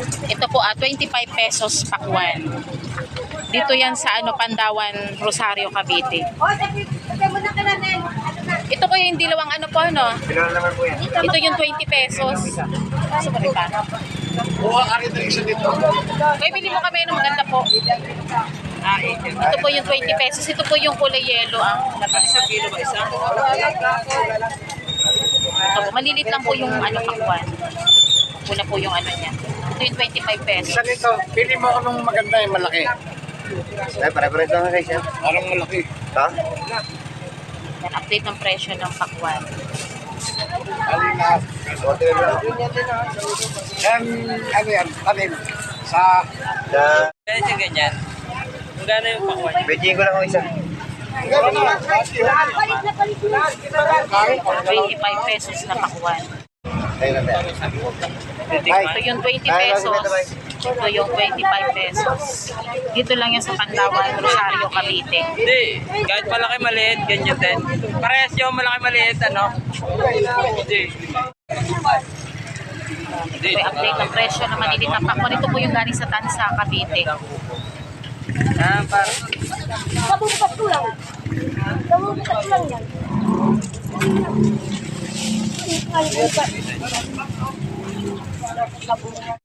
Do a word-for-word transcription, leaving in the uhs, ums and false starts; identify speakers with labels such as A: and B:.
A: Ito po ah, twenty-five pesos pakwan. Dito yan sa ano Pandawan, Rosario, Cavite. Ito po yung dilawang ano po ano. Ito yung twenty pesos. Kaso ba rin pa? Kaya bili mo kami ng maganda po. Ah, ito po yung twenty pesos. Ito po yung kulay yellow. Ang isang kilo ba isa? Ito po, malilit lang po yung ano pakwan. Pula po yung ano niya. Ito yung twenty-five pesos.
B: Isa nito, pili mo anong maganda yung malaki.
C: Ay, pare-pare ito nga guys yan.
B: Parang malaki.
C: Ha?
A: Yan, update ng presyo ng pakwan.
B: Alina. Yan, ano yan, tanim. Sa...
C: Da...
D: Kaya siya ganyan. Magkano yung pakwan?
C: Beijing ko lang ako isa.
A: twenty-five pesos na pakwan.
C: Ayun na tayo.
A: Ito yung twenty pesos. Ito yung twenty-five pesos. Dito lang yan sa Pandawan, Rosario, Cavite.
D: Hindi. Kahit malaki maliit, ganyan din. Parehas yung malaki maliit, ano? Hindi.
A: Ito yung update ng presyo ng malilit na pakwan. Ito po yung galing sa Tansa, Cavite.
D: Ah, parang...
E: Kabubukas ko lang. Kabubukas ko lang yan. Ay, ay, ay.